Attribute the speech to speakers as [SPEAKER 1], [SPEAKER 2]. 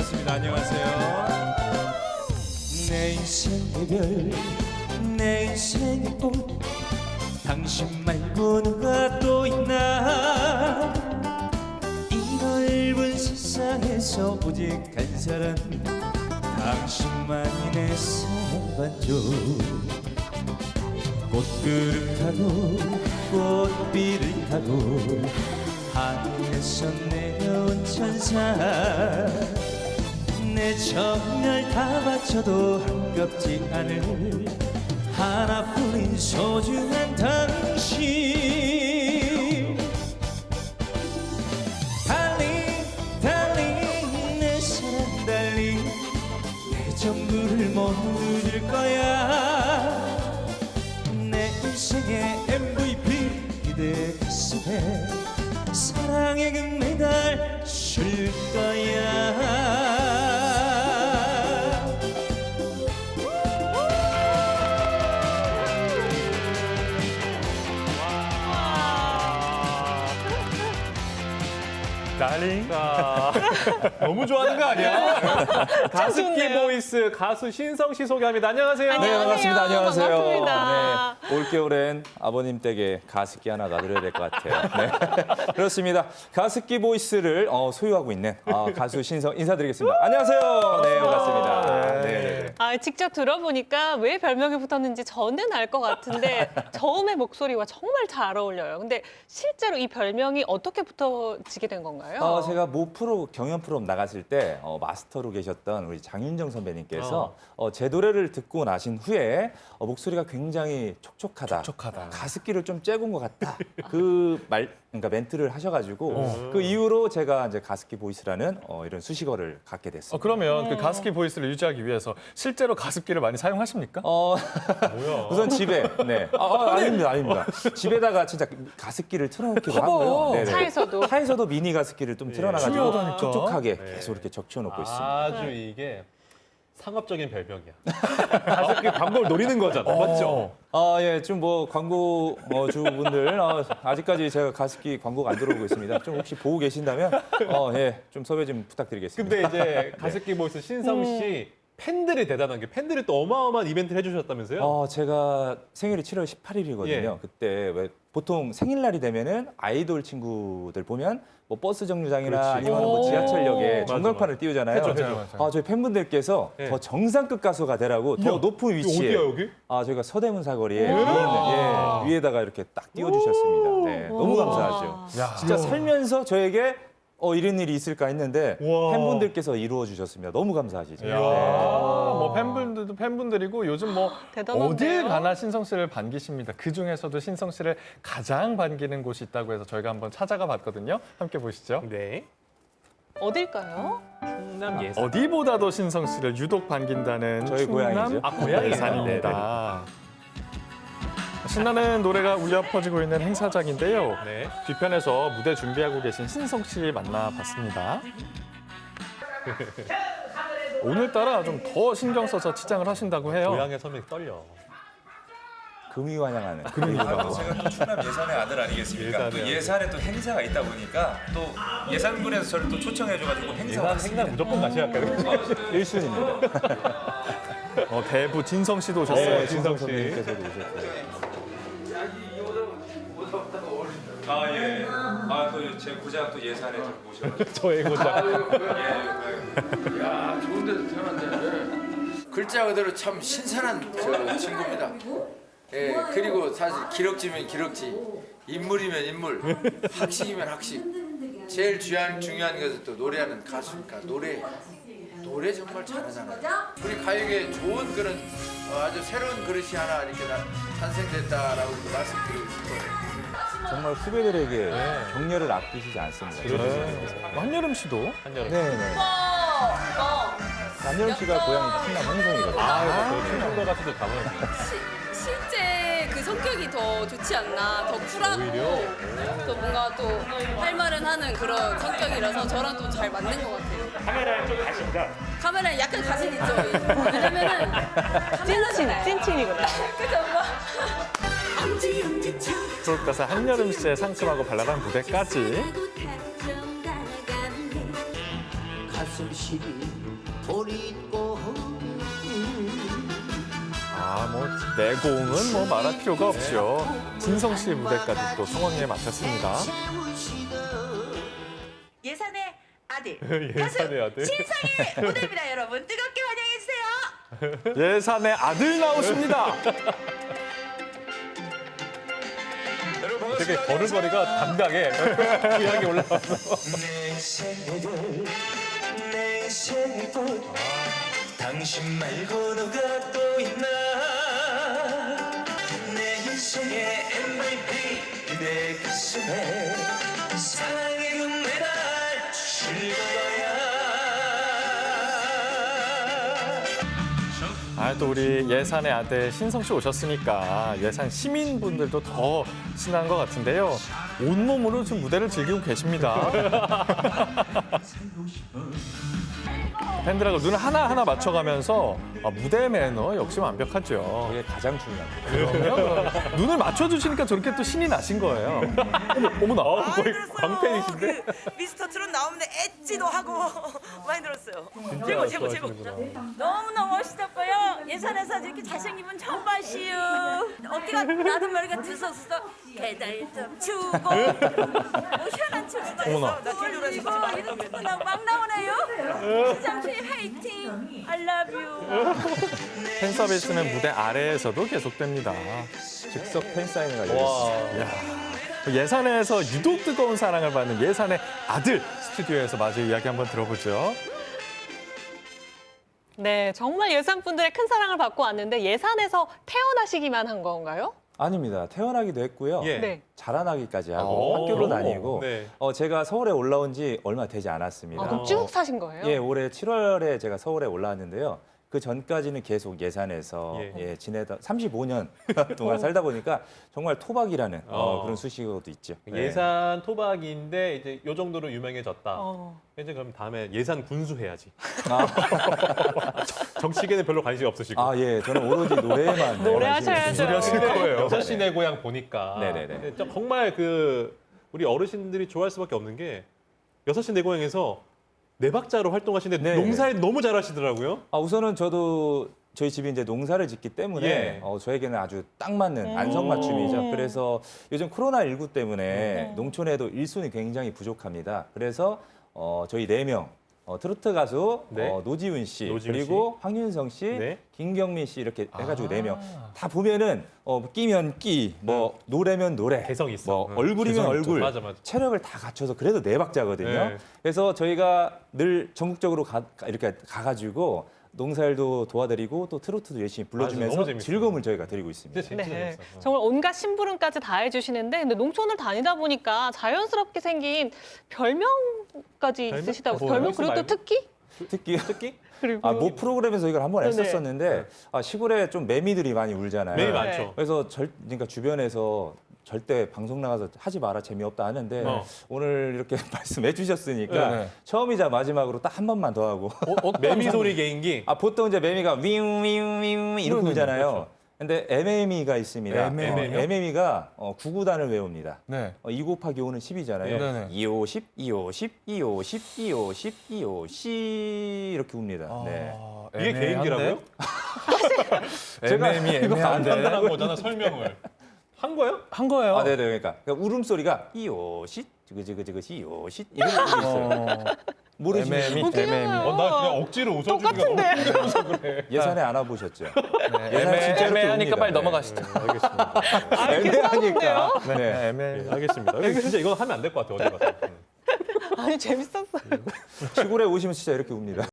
[SPEAKER 1] 반갑습니다. 안녕하세요. 내 인생의 별, 내 인생의 꽃, 당신 말고 누가 또 있나? 이 넓은 세상에서 오직 한 사람, 당신만이 내 사랑 반쪽. 꽃그릇 타고 꽃비를 타고 하늘에서 내려온 천사, 내 정열 다 바쳐도 한겹지 않을 하나뿐인 소중한 당신. 달리 달리 내 사랑 달리 내 전부를 모두 줄 거야. 내 인생의 MVP 그대 가슴에 사랑의 금메달 줄 거야.
[SPEAKER 2] 달링.
[SPEAKER 3] 너무 좋아하는 거 아니야? 가습기 보이스 가수 신성 씨 소개합니다. 안녕하세요.
[SPEAKER 4] 네, 반갑습니다. 안녕하세요.
[SPEAKER 2] 반갑습니다.
[SPEAKER 4] 네, 올겨울엔 아버님 댁에 가습기 하나 놔드려야 될 것 같아요. 네. 그렇습니다. 가습기 보이스를 소유하고 있는 가수 신성 인사드리겠습니다. 안녕하세요. 네, 반갑습니다. 네.
[SPEAKER 2] 직접 들어보니까 왜 별명이 붙었는지 저는 알 것 같은데 저음의 목소리와 정말 잘 어울려요. 근데 실제로 이 별명이 어떻게 붙어지게 된 건가요?
[SPEAKER 4] 제가 모 프로 경연 프로 나갔을 때 마스터로 계셨던 우리 장윤정 선배님께서 제 노래를 듣고 나신 후에 목소리가 굉장히 촉촉하다. 가습기를 좀 쬐군 것 같다. 그러니까 멘트를 하셔가지고 그 이후로 제가 이제 가습기 보이스라는 이런 수식어를 갖게 됐습니다.
[SPEAKER 3] 그러면 그 가습기 보이스를 유지하기 위해서 실제로 가습기를 많이 사용하십니까? 뭐야?
[SPEAKER 4] 우선 집에 아닙니다. 집에다가 진짜 가습기를 틀어놓기도 하고요. 네네. 차에서도 미니 가습기를 좀 틀어놔가지고
[SPEAKER 3] 중요하다니까.
[SPEAKER 4] 촉촉하게 계속 이렇게 적셔놓고 있습니다.
[SPEAKER 5] 아주 이게 상업적인 별명이야. 가습기 광고를 노리는 거잖아. 맞죠?
[SPEAKER 4] 예, 좀 뭐 광고 주분들 아직까지 제가 가습기 광고가 안 들어오고 있습니다. 좀 혹시 보고 계신다면 예, 좀 섭외 좀 부탁드리겠습니다.
[SPEAKER 5] 근데 이제 가습기 보이스 신성 씨 팬들이 대단한 게 팬들이 또 어마어마한 이벤트를 해주셨다면서요?
[SPEAKER 4] 제가 생일이 7월 18일이거든요.
[SPEAKER 5] 예.
[SPEAKER 4] 그때 왜 보통 생일날이 되면은 아이돌 친구들 보면 뭐 버스 정류장이나
[SPEAKER 5] 그렇지.
[SPEAKER 4] 아니면 뭐 지하철역에 전광판을 띄우잖아요.
[SPEAKER 3] 맞아요.
[SPEAKER 4] 저희 팬분들께서
[SPEAKER 5] 예.
[SPEAKER 4] 더 정상급 가수가 되라고 더 높은 위치에
[SPEAKER 5] 어디야 여기?
[SPEAKER 4] 저희가 서대문 사거리에 위에 있는 위에다가 이렇게 딱 띄워주셨습니다. 네, 너무 감사하죠. 진짜 살면서 저에게 이런 일이 있을까 했는데
[SPEAKER 3] 우와.
[SPEAKER 4] 팬분들께서 이루어 주셨습니다. 너무 감사하시죠.
[SPEAKER 3] 이야, 뭐 팬분들도 팬분들이고 요즘 뭐
[SPEAKER 2] 대단한데요?
[SPEAKER 3] 어딜 가나 신성 씨를 반기십니다. 그 중에서도 신성 씨를 가장 반기는 곳이 있다고 해서 저희가 한번 찾아가 봤거든요. 함께 보시죠.
[SPEAKER 5] 네.
[SPEAKER 2] 어딜까요?
[SPEAKER 5] 충남 예산.
[SPEAKER 3] 어디보다도 신성 씨를 유독 반긴다는
[SPEAKER 4] 저희 고향이죠.
[SPEAKER 5] 고향이에요?
[SPEAKER 3] 예산입니다. 신나는 노래가 울려 퍼지고 있는 행사장인데요.
[SPEAKER 5] 네.
[SPEAKER 3] 뒤편에서 무대 준비하고 계신 신성 씨 만나봤습니다. 오늘따라 좀 더 신경 써서 치장을 하신다고 해요.
[SPEAKER 5] 고향의 섬이 떨려.
[SPEAKER 4] 금이 환영하는.
[SPEAKER 1] 제가 또 충남 예산의 아들 아니겠습니까? 또 예산에 또 행사가 있다 보니까 또 예산군에서 저를 또 초청해줘가지고 행사
[SPEAKER 5] 행사
[SPEAKER 1] 왔습니다.
[SPEAKER 5] 무조건 가셔야 할까요?
[SPEAKER 4] 1순위입니다.
[SPEAKER 3] 대부 진성 씨도 오셨어요.
[SPEAKER 4] 네,
[SPEAKER 5] 진성 씨.
[SPEAKER 4] 선배님께서도 오셨고요.
[SPEAKER 1] 예. 또 제 고장 또 예산에 좀 모셔가지고.
[SPEAKER 5] 저의 고장.
[SPEAKER 6] 야, 좋은 데서 태어났네. 글자 그대로 참 신선한 친구입니다. 예, 그리고 사실 기럭지면 기럭지, 인물이면 인물, 학식이면 학식. 제일 중요한 것은 또 노래하는 가수니까 노래 정말 잘하잖아요. 우리 가요계에 좋은 그런 아주 새로운 그릇이 하나 이렇게 탄생됐다라고 말씀드리고 싶어요.
[SPEAKER 4] 정말 후배들에게 격려를 아끼시지 않습니다.
[SPEAKER 3] 한여름 씨도
[SPEAKER 5] 한여름.
[SPEAKER 4] 네네. 안녕 씨가 고향이 충남 홍성이거든요.
[SPEAKER 5] 그 충청도 가수도 가보는
[SPEAKER 7] 실제 그 성격이 더 좋지 않나, 더 쿨하고 또 뭔가 또 할 말은 하는 그런 성격이라서 저랑 또 잘 맞는 것 같아요.
[SPEAKER 8] 카메라에 좀 가신다.
[SPEAKER 7] 카메라에 약간 자신 있죠. 왜냐면은
[SPEAKER 2] 찐친이구나.
[SPEAKER 7] 그죠 엄마?
[SPEAKER 3] 프로 가수 한여름 씨의 상큼하고 발랄한 무대까지
[SPEAKER 8] 가슴 시리 돌이고
[SPEAKER 3] 뭐 내공은 뭐 말할 필요가 없죠. 진성 씨의 무대까지 또 성황리에 마쳤습니다.
[SPEAKER 9] 예산의 아들
[SPEAKER 5] 예산의 아들.
[SPEAKER 9] 신성의 무대입니다. 여러분 뜨겁게 환영해 주세요.
[SPEAKER 3] 예산의 아들 나오십니다.
[SPEAKER 5] 되게 걸음걸이가 당당해. 귀하게 올라와서.
[SPEAKER 8] 내 생애를 내 생애꽃 당신 말고 누가 또 있나 내 인생의 MVP 내 가슴에 사랑의 금메달 주실 거야
[SPEAKER 3] 또 우리 예산의 아들 신성 씨 오셨으니까 예산 시민분들도 더 신난 것 같은데요. 온몸으로 지금 무대를 즐기고 계십니다. 팬들하고 눈을 하나하나 맞춰가면서 무대 매너 역시 완벽하죠.
[SPEAKER 4] 그게 가장 중요합니다.
[SPEAKER 3] 그럼요. 눈을 맞춰주시니까 저렇게 또 신이 나신 거예요. 어머나.
[SPEAKER 5] 거의 광팬이신데?
[SPEAKER 9] 그 미스터 트롯 나오면 엣지도 하고 많이 들었어요. 최고 최고. 너무너무 멋있었고요. 예산에서 이렇게 잘생긴 분 처음 봤시요. 어깨가 나도 머리가 두서서 배달 좀 주고 뭐 희한한 춤.
[SPEAKER 3] 어머나.
[SPEAKER 9] 이거 막 나오네요. 시장씨 화이팅. I love you.
[SPEAKER 3] 팬 서비스는 무대 아래에서도 계속됩니다.
[SPEAKER 4] 즉석 팬 사인회가 열렸습니다.
[SPEAKER 3] 예산에서 유독 뜨거운 사랑을 받는 예산의 아들 스튜디오에서 마저 이야기 한번 들어보죠.
[SPEAKER 2] 네, 정말 예산분들의 큰 사랑을 받고 왔는데 예산에서 태어나시기만 한 건가요?
[SPEAKER 4] 아닙니다. 태어나기도 했고요.
[SPEAKER 5] 예.
[SPEAKER 2] 네.
[SPEAKER 4] 자라나기까지 하고 학교도 다니고
[SPEAKER 5] 네.
[SPEAKER 4] 제가 서울에 올라온 지 얼마 되지 않았습니다.
[SPEAKER 2] 아, 그럼 쭉 사신 거예요?
[SPEAKER 4] 예, 올해 7월에 제가 서울에 올라왔는데요. 그 전까지는 계속 예산에서
[SPEAKER 5] 예.
[SPEAKER 4] 지내다 35년 동안 살다 보니까 정말 토박이라는 그런 수식어도 있죠. 네.
[SPEAKER 5] 예산 토박이인데 이제 요 정도로 유명해졌다.
[SPEAKER 2] 어.
[SPEAKER 5] 이제 그럼 다음에 예산 군수 해야지.
[SPEAKER 4] 아,
[SPEAKER 5] 정치계는 별로 관심이 없으시고.
[SPEAKER 4] 아, 예, 저는 오로지 노래에만
[SPEAKER 2] 노래하셔야죠.
[SPEAKER 3] 하실 거예요.
[SPEAKER 5] 6시 내 고향 보니까
[SPEAKER 4] 네네네.
[SPEAKER 5] 정말 그 우리 어르신들이 좋아할 수밖에 없는 게 6시 내 고향에서 네 박자로 활동하시는데
[SPEAKER 4] 네네.
[SPEAKER 5] 농사에 너무 잘하시더라고요.
[SPEAKER 4] 우선은 저도 저희 집이 이제 농사를 짓기 때문에
[SPEAKER 5] 예.
[SPEAKER 4] 저에게는 아주 딱 맞는 안성맞춤이죠. 그래서 요즘 코로나19 때문에 농촌에도 일손이 굉장히 부족합니다. 그래서 저희 4명 트로트 가수
[SPEAKER 5] 네.
[SPEAKER 4] 노지훈 씨
[SPEAKER 5] 노지훈
[SPEAKER 4] 그리고 황윤성 씨,
[SPEAKER 5] 네.
[SPEAKER 4] 김경민 씨 이렇게 해가지고 4명 다 보면은 끼면 끼, 뭐 노래면 노래,
[SPEAKER 5] 개성 있어.
[SPEAKER 4] 뭐 얼굴이면
[SPEAKER 3] 개성 있죠.
[SPEAKER 4] 얼굴,
[SPEAKER 5] 맞아.
[SPEAKER 4] 체력을 다 갖춰서 그래도 4박자거든요.
[SPEAKER 5] 네.
[SPEAKER 4] 그래서 저희가 늘 전국적으로 이렇게 가가지고 농사일도 도와드리고 또 트로트도 열심히
[SPEAKER 5] 맞아,
[SPEAKER 4] 불러주면서
[SPEAKER 5] 너무 재밌어요.
[SPEAKER 4] 즐거움을 저희가 드리고 있습니다.
[SPEAKER 5] 진짜
[SPEAKER 2] 네,
[SPEAKER 5] 재밌어요.
[SPEAKER 2] 정말 온갖 심부름까지 다 해주시는데 근데 농촌을 다니다 보니까 자연스럽게 생긴 별명까지
[SPEAKER 5] 별명?
[SPEAKER 2] 있으시다고
[SPEAKER 5] 뭐요?
[SPEAKER 2] 별명 그리고 또
[SPEAKER 5] 말고?
[SPEAKER 2] 특기?
[SPEAKER 4] 특기?
[SPEAKER 2] 그리고
[SPEAKER 4] 뭐 프로그램에서 이걸 한번
[SPEAKER 2] 네네.
[SPEAKER 4] 했었었는데 시골에 좀 매미들이 많이 울잖아요.
[SPEAKER 5] 매일
[SPEAKER 2] 네.
[SPEAKER 5] 많죠.
[SPEAKER 4] 그래서 그러니까 주변에서 절대 방송 나가서 하지 마라 재미없다 하는데 오늘 이렇게 말씀해 주셨으니까
[SPEAKER 3] 네.
[SPEAKER 4] 처음이자 마지막으로 딱 한 번만 더 하고
[SPEAKER 5] 매미 소리 개인기.
[SPEAKER 4] 보통 이제 매미가 윙윙윙 이렇게 울잖아요. 근데 MM이가 있습니다.
[SPEAKER 3] MM이요?
[SPEAKER 4] MM이가 9구단을 외웁니다.
[SPEAKER 3] 네.
[SPEAKER 4] 2 곱하기 5는 10이잖아요.
[SPEAKER 3] 네네.
[SPEAKER 4] 250, 250, 250, 250, 250 이렇게 웁니다. 네.
[SPEAKER 5] 이게 개인기라고요?
[SPEAKER 4] 제가
[SPEAKER 3] 애매한데.
[SPEAKER 5] 간단한 거잖아, 설명을. 한 거예요?
[SPEAKER 3] 한 거예요.
[SPEAKER 4] 네네. 그러니까 울음소리가 250, 지그지그지그 250 이런 게 있어요. 모르시면
[SPEAKER 3] 애매미.
[SPEAKER 2] 웃기잖아요.
[SPEAKER 5] 나 그냥 억지로 웃어주기가
[SPEAKER 2] 똑같은데.
[SPEAKER 5] 너무 힘들어서 그래.
[SPEAKER 4] 예산에 안 와보셨죠?
[SPEAKER 3] 애매하니까
[SPEAKER 4] 웁니다.
[SPEAKER 3] 빨리
[SPEAKER 4] 네.
[SPEAKER 3] 넘어가시죠.
[SPEAKER 5] 알겠습니다.
[SPEAKER 4] 애매하니까. 네.
[SPEAKER 3] 애매.
[SPEAKER 5] 알겠습니다. 이거 진짜 이건 하면 안 될 것 같아요, 어디 가서.
[SPEAKER 2] 아니 재밌었어요.
[SPEAKER 4] 시골에 오시면 진짜 이렇게 웁니다.